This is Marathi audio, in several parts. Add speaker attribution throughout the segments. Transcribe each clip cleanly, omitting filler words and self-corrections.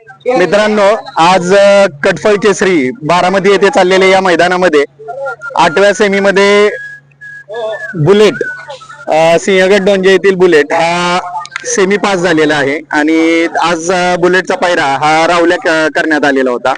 Speaker 1: मित्रांनो, आज कटफळ केसरी बारामती येथे चाललेल्या या मैदानामध्ये 8व्या सेमीमध्ये बुलेट सिंहगड डोंजे येथील बुलेट हा सेमी पास झालेला आहे आणि आज बुलेटचा पायरा हा रावल्या करण्यात आलेला होता.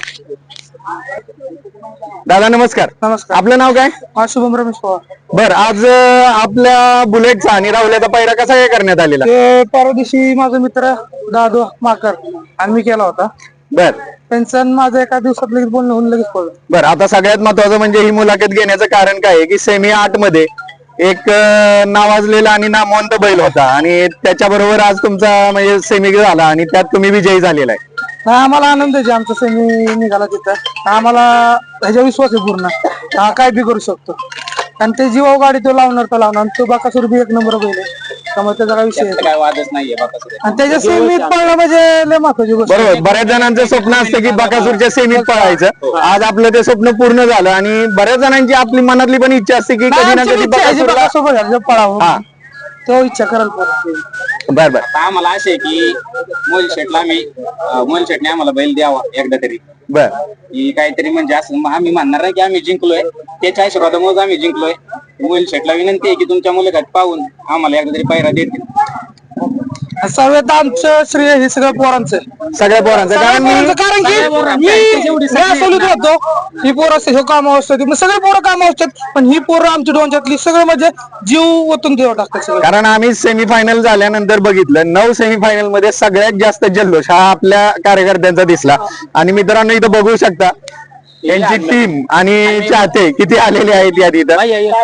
Speaker 1: दादा नमस्कार.
Speaker 2: नमस्कार.
Speaker 1: आपलं नाव काय?
Speaker 2: शुभम रमेश पवार.
Speaker 1: बर, आज आपल्या बुलेटचा आणि रावल्याचा पायरा कसा काय करण्यात आलेला?
Speaker 2: ते परवा दिवशी माझा मित्र दादू माकर आणि मी केला होता.
Speaker 1: बर,
Speaker 2: त्यांचं माझं एका दिवसात लगेच बोलणं होऊन लगेच पडलं.
Speaker 1: बर, आता सगळ्यात महत्वाचं म्हणजे ही मुलाखत घेण्याचं कारण काय आहे की सेमी 8 मध्ये एक नावाजलेला आणि नामवंत बैल होता आणि त्याच्याबरोबर आज तुमचा म्हणजे सेमी झाला आणि त्यात तुम्ही विजयी झालेला आहे.
Speaker 2: आम्हाला आनंद आहे आमचा सेमी निघाला तिथं. आम्हाला ह्याच्या विश्वास आहे पूर्ण, हा काय बी करू शकतो आणि ते जीवा गाडी तो लावणार आणि तो बाकासूर बी एक नंबर बैल आहे, त्यामुळे त्याचा काय विषय
Speaker 3: काय वादच नाहीये बाकासूर.
Speaker 2: आणि त्याच्या सेमीत पळणं म्हणजे लय महत्वाची गोष्ट.
Speaker 1: बरोबर, बऱ्याच जणांचं स्वप्न असतं की बकासूरच्या सेमीत पळायचं. आज आपलं ते स्वप्न पूर्ण झालं आणि बऱ्याच जणांची आपली मनातली पण इच्छा असते की कधी ना कधी बकासूरला
Speaker 2: पळावं, तो इच्छा कराल.
Speaker 1: बर बर.
Speaker 3: आता आम्हाला असे की मोल शेटने आम्हाला बैल द्यावा एकदा तरी,
Speaker 1: बर,
Speaker 3: की काहीतरी म्हणजे असं आम्ही म्हणणार नाही की आम्ही जिंकलोय, त्याच्या आशीर्वादामुळे आम्ही जिंकलोय. मोल शेटला विनंती आहे की तुमच्या मुलाखत पाहून आम्हाला एकदा तरी पायरा देतील.
Speaker 2: सर्वात आमचं श्रेय हे सगळं पोरांचं,
Speaker 1: सगळ्या पोरांचं. कारण
Speaker 2: मी सोलित होतो. ही पोरं असते हे काम असतात, सगळे पोरं काम असतात, पण ही पोरं आमच्या डोंच्यातली सगळं म्हणजे जीव ओतून देव टाकतात सगळं.
Speaker 1: कारण आम्ही सेमीफायनल झाल्यानंतर बघितलं 9 सेमीफायनल मध्ये सगळ्यात जास्त जल्लोष हा आपल्या कार्यकर्त्यांचा दिसला. आणि मित्रांनो इथं बघू शकता यांची टीम आणि चाहते किती आलेले आहेत या तिथं.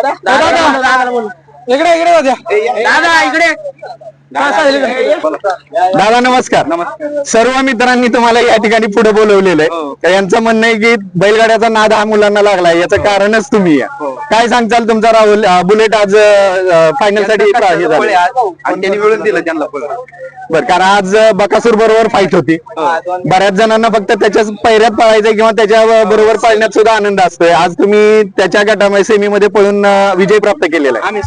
Speaker 2: इकडे
Speaker 1: दादा नमस्कार. सर्व मित्रांनी तुम्हाला या ठिकाणी पुढे बोलवलेलं आहे. यांचं म्हणणं आहे की बैलगाड्याचा नाद हा मुलांना लागलाय, याचं कारणच तुम्ही आहे. काय सांगताल तुमचा राहुल बुलेट आज फायनल साठी
Speaker 3: त्यांनी मिळून दिलं त्यांना.
Speaker 1: बरं, कारण आज बकासूर बरोबर फाईट होती. बऱ्याच जणांना फक्त त्याच्याच पैऱ्यात पळायचं किंवा त्याच्या बरोबर पळण्यात सुद्धा आनंद असतोय. आज तुम्ही त्याच्या गटामध्ये सेमी मध्ये पळून विजय प्राप्त केलेला आहे.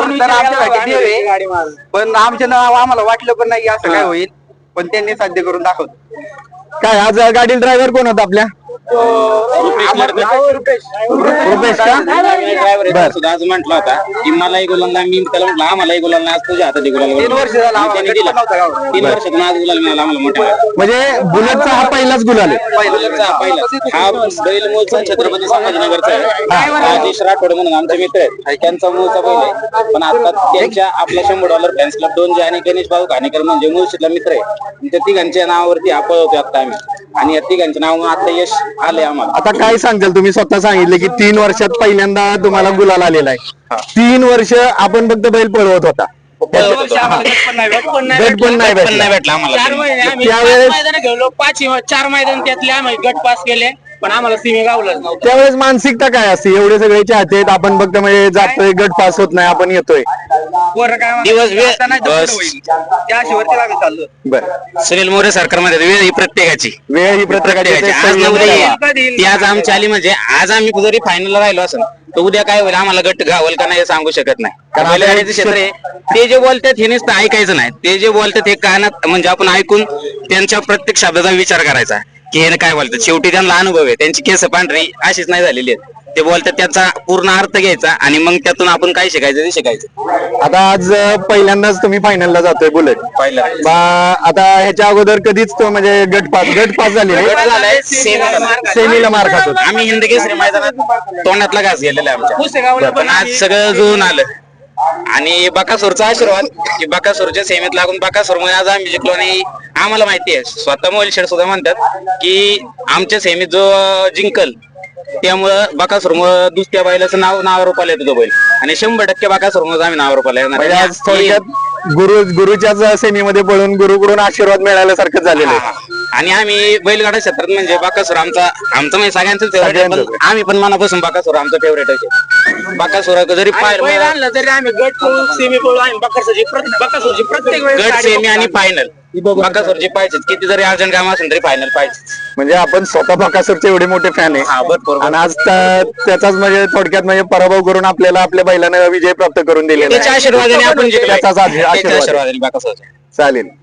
Speaker 3: पण आमच्या नाव आम्हाला वाटलं पण नाही असं काय होईल, पण त्यांनी साध्य करून दाखवलं.
Speaker 1: काय आज गाडी ड्रायव्हर कोण होता आपल्या? रुपेश का?
Speaker 3: ड्रायव्हर सुद्धा आज म्हटला होता की मलाही गुलाल, मी त्याला म्हटलं आम्हालाही गुलाल नाही, आज तुझ्या हातात गुलाल. 3 वर्ष झालं त्यांनी दिला, 3 वर्षातून आज गुलाल मिळाला आम्हाला मोठा.
Speaker 1: म्हणजे बुलेटचा हा पहिलाच गुलाल आहे.
Speaker 3: हा बैल मूळचा छत्रपती संभाजीनगरचा आहे. राजेश राठोड म्हणून आमचे मित्र आहेत, त्यांचा मूळचा बैल आहे. पण आता त्यांच्या आपल्या $100 फॅन्स क्लब डोंजे आणि गणेश भाऊ घाणेकर म्हणजे मूळशीतला मित्र आहे. त्या तिघांच्या नावावरती हा पळवतो आता आम्ही, आणि या तिघांच्या नाव आता यश आले आम्हाला.
Speaker 1: आता काय सांगताल, तुम्ही स्वतः सांगितले की 3 वर्षात पहिल्यांदा तुम्हाला गुलाल आलेला आहे. 3 वर्ष आपण फक्त बैल पळवत होता, गट पण नाही भेटला
Speaker 3: आम्हाला.
Speaker 1: त्यावेळेस
Speaker 4: 4 मैदान त्यातले आम्ही गट पास केले, पण आम्हाला सीमे गावलंच नव्हतं.
Speaker 1: त्यावेळेस मानसिकता काय असते? एवढे सगळे चाहते आहेत, आपण फक्त म्हणजे जातोय, गट पास होत नाही, आपण येतोय. बरं,
Speaker 3: सुनील मोरे सरकारमध्ये वेळ ही प्रत्येकाची
Speaker 1: वेळ ही प्रत्येकाची.
Speaker 3: आज आमची आली म्हणजे आज आम्ही जरी फायनलला राहिलो असेल तर उद्या काय होईल आम्हाला गट गावल का नाही सांगू शकत नाही. कारण बैलगाडीचं क्षेत्र आहे, ते जे बोलतात हे नुसतं ऐकायचं नाही, ते जे बोलतात हे कानात म्हणजे आपण ऐकून त्यांच्या प्रत्येक शब्दाचा विचार करायचा की हे काय बोलतात. शेवटी त्यांना अनुभव आहे, त्यांची केस पांढरी अशीच नाही झालेली आहेत. ते बोलतात त्याचा पूर्ण अर्थ घ्यायचा आणि मग त्यातून आपण काय शिकायचं ते शिकायचं.
Speaker 1: आता आज पहिल्यांदाच तुम्ही फायनलला जातोय बुलेट.
Speaker 3: पहिला
Speaker 1: आता ह्याच्या अगोदर कधीच तो म्हणजे गट पास झाले, सेमीला मार खातो.
Speaker 3: आम्ही हिंद केसरी मैदानात तोंडातला घास गेलेला आमच्या, पण आज सगळं जुळून आलं. आणि बकासूरचा आशीर्वाद की बकासूरच्या सेमीत लागून बकासूरमुळे आज आम्ही जिंकलो. आणि आम्हाला माहिती आहे, स्वतः मोल शेठ सुद्धा म्हणतात की आमच्या सेमीत जो जिंकल त्यामुळं बकासूरमुळे दुसऱ्या बैलाचं नाव रूपाला येतो तो बैल, आणि 100% बकासूरमुळे आम्ही नाव रूपाला येणार.
Speaker 1: आज थोडक्यात गुरुच्याच सेमीमध्ये पळून गुरुकडून आशीर्वाद मिळाल्यासारखं झालेलं आहे.
Speaker 3: आणि आम्ही बैलगाडा क्षेत्रात म्हणजे बकासूर आमचं म्हणजे सगळ्यांचं फेवरेट. आम्ही पण मनापासून बकासूर आमचं फेवरेट आहे. बकासूर जरी
Speaker 4: आणलं तरी आम्ही गट सेमी पळू, आम्ही बकासूरची प्रत्येक
Speaker 1: गट
Speaker 3: सेमी आणि फायनल बकासूरची पाहिजेच. किती जरी अर्जंट काम असेल तरी फायनल पाहिजे.
Speaker 1: म्हणजे आपण स्वतः बकासूरचे एवढे मोठे फॅन आहे आणि आज त्याचाच म्हणजे थोडक्यात म्हणजे पराभव करून आपल्याला आपल्या बैलानं विजय प्राप्त करून दिलेला.
Speaker 3: त्याच्या आशीर्वादाने आपण
Speaker 1: त्याचाच आशीर्वाद.
Speaker 3: बकासूरचा
Speaker 1: चालेल.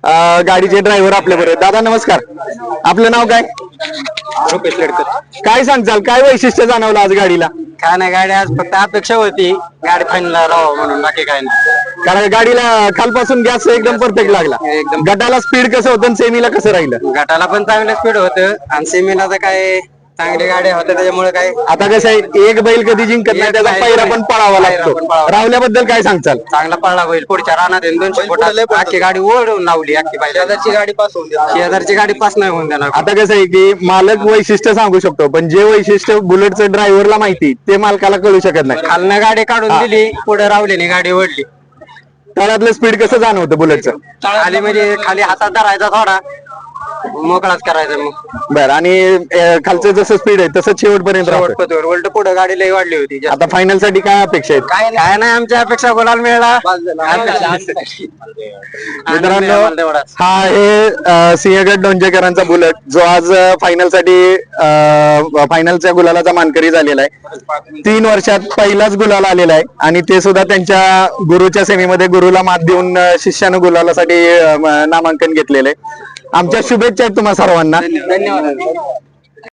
Speaker 1: गाडीचे ड्रायव्हर आपल्या बरोबर दादा नमस्कार आपलं नाव काय
Speaker 3: रुपेश लडकर.
Speaker 1: काय सांगचाल काय वैशिष्ट्य जाणवलं आज गाडीला
Speaker 3: काय नाही गाडी आज फक्त अपेक्षा होती गाडी फायनल राहावं म्हणून, बाकी काय नाही.
Speaker 1: कारण गाडीला खालपासून गॅस एकदम परफेक्ट लागला
Speaker 3: एकदम.
Speaker 1: गटाला स्पीड कसं होतं सेमीला कसं राहिलं
Speaker 3: गटाला पण चांगलं स्पीड होतं आणि सेमीला तर काय चांगली गाडी होत्या त्याच्यामुळे काय
Speaker 1: आता कसं आहे एक बैल कधी जिंकत नाही त्याचा पहिरा पण पळावा लागतो
Speaker 3: पण पळावा.
Speaker 1: रावल्याबद्दल काय सांगचाल
Speaker 3: चांगला पळला होईल. पुढच्या रानात 200 फुटात आखी गाडी ओढून लावली. आखी पाहिजे शेजारची गाडी पास नाही होऊन देणार.
Speaker 1: आता कसं आहे की मालक वैशिष्ट्य सांगू शकतो पण जे वैशिष्ट्य बुलेटचं ड्रायव्हरला माहिती ते मालकाला कळू शकत नाही
Speaker 3: खालनं गाडी काढून दिली, पुढे रावल्याने गाडी ओढली.
Speaker 1: तळातलं स्पीड कसं जाणवतं बुलेटचं
Speaker 3: खाली म्हणजे खाली हातात धरायचा थोडा, मोकळाच करायचा मग.
Speaker 1: बरं आणि खालचं जसं स्पीड आहे तसं शेवटपर्यंत राहतं.
Speaker 3: शेवटपतवर उलट पुढे गाडी लई वाढली होती.
Speaker 1: आता फायनल साठी काय अपेक्षा आहेत
Speaker 3: काय नाही आमच्या अपेक्षा गुलाल मिळाला.
Speaker 1: मित्रांनो हा आहे सिंहगड डोंजेकरांचा बुलेट जो आज फायनल साठी फायनलच्या गुलालाचा मानकरी झालेला आहे. 3 वर्षात पहिलाच गुलाल आलेला आहे आणि ते सुद्धा त्यांच्या गुरुच्या सेमीमध्ये गुरुला मात देऊन शिष्यानं गुलालासाठी नामांकन घेतलेलं आहे. आमच्या शुभेच्छा आहेत तुम्हा सर्वांना.
Speaker 3: धन्यवाद.